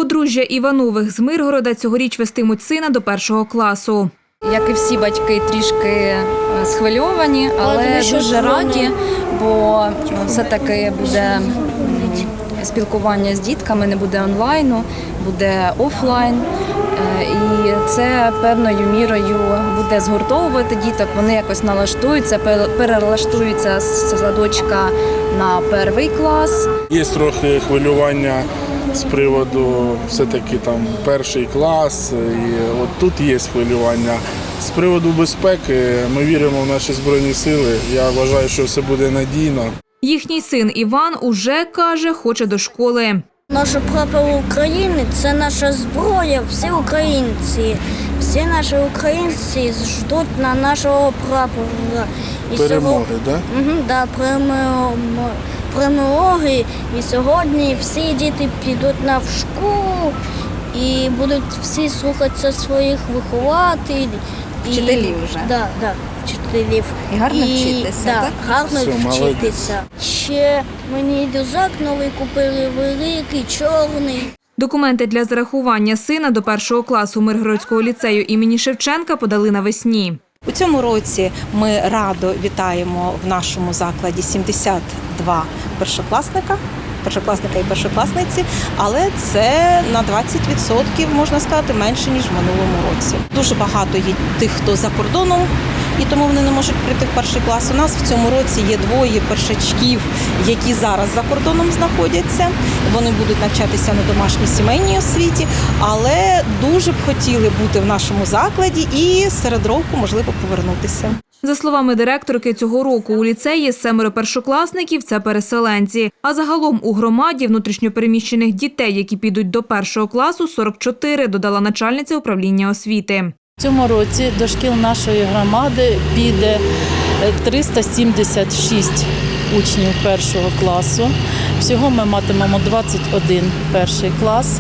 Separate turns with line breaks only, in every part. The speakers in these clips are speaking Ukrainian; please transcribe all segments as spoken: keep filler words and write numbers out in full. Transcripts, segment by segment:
Подружжя Іванових з Миргорода цьогоріч вестимуть сина до першого класу.
Як і всі батьки, трішки схвильовані, але дуже раді, бо все-таки буде спілкування з дітками, не буде онлайну, буде офлайн. І це певною мірою буде згуртовувати діток, вони якось налаштуються, перелаштуються з садочка на перший клас.
Є трохи хвилювання з приводу все-таки там перший клас, і от тут є хвилювання. З приводу безпеки ми віримо в наші Збройні Сили, я вважаю, що все буде надійно.
Їхній син Іван уже, каже, хоче до школи.
Наш прапор України – це наша зброя, всі українці. Всі наші українці ждуть на нашого прапора.
І перемоги, так? Да?
Угу, да, перемоги. І сьогодні всі діти підуть на школу і будуть всі слухатися своїх вихователів.
Вчителів вже.
Да, да, вчителів.
І гарно і, вчитися,
да,
так?
гарно
Все,
вчитися. Ще мені рюкзак новий купили, великий, чорний.
Документи для зарахування сина до першого класу Миргородського ліцею імені Шевченка подали навесні.
У цьому році ми радо вітаємо в нашому закладі сімдесят два першокласника, першокласника і першокласниці, але це на двадцять відсотків, можна сказати, менше, ніж в минулому році. Дуже багато є тих, хто за кордоном, і тому вони не можуть прийти в перший клас. У нас в цьому році є двоє першачків, які зараз за кордоном знаходяться. Вони будуть навчатися на домашній сімейній освіті, але дуже б хотіли бути в нашому закладі і серед року, можливо, повернутися.
За словами директорки, цього року у ліцеї семеро першокласників – це переселенці. А загалом у громаді внутрішньопереміщених дітей, які підуть до першого класу, сорок чотири, додала начальниця управління освіти.
В цьому році до шкіл нашої громади піде триста сімдесят шість учнів першого класу. Всього ми матимемо двадцять один перший клас.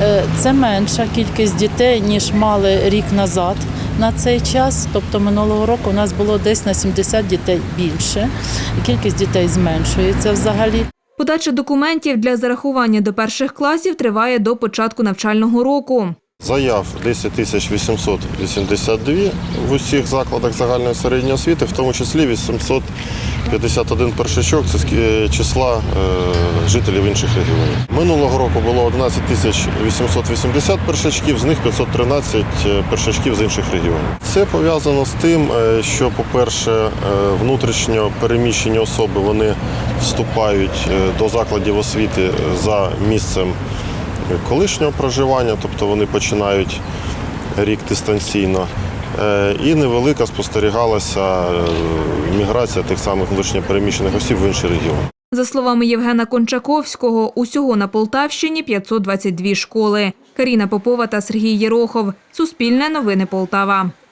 Це менша кількість дітей, ніж мали рік назад на цей час. Тобто минулого року у нас було десь на сімдесят дітей більше. Кількість дітей зменшується взагалі.
Подача документів для зарахування до перших класів триває до початку навчального року.
Заяв десять тисяч вісімсот вісімдесят два в усіх закладах загальної середньої освіти, в тому числі вісімсот п'ятдесят один першачок – це з числа е, жителів інших регіонів. Минулого року було одинадцять тисяч вісімсот вісімдесят першачків, з них п'ятсот тринадцять першачків з інших регіонів. Це пов'язано з тим, що, по-перше, внутрішньо переміщені особи вони вступають до закладів освіти за місцем колишнього проживання, тобто вони починають рік дистанційно. І невелика спостерігалася міграція тих самих внутрішньопереміщених осіб в інші регіони.
За словами Євгена Кончаковського, усього на Полтавщині п'ятсот двадцять дві школи. Каріна Попова та Сергій Єрохов. Суспільне новини Полтава.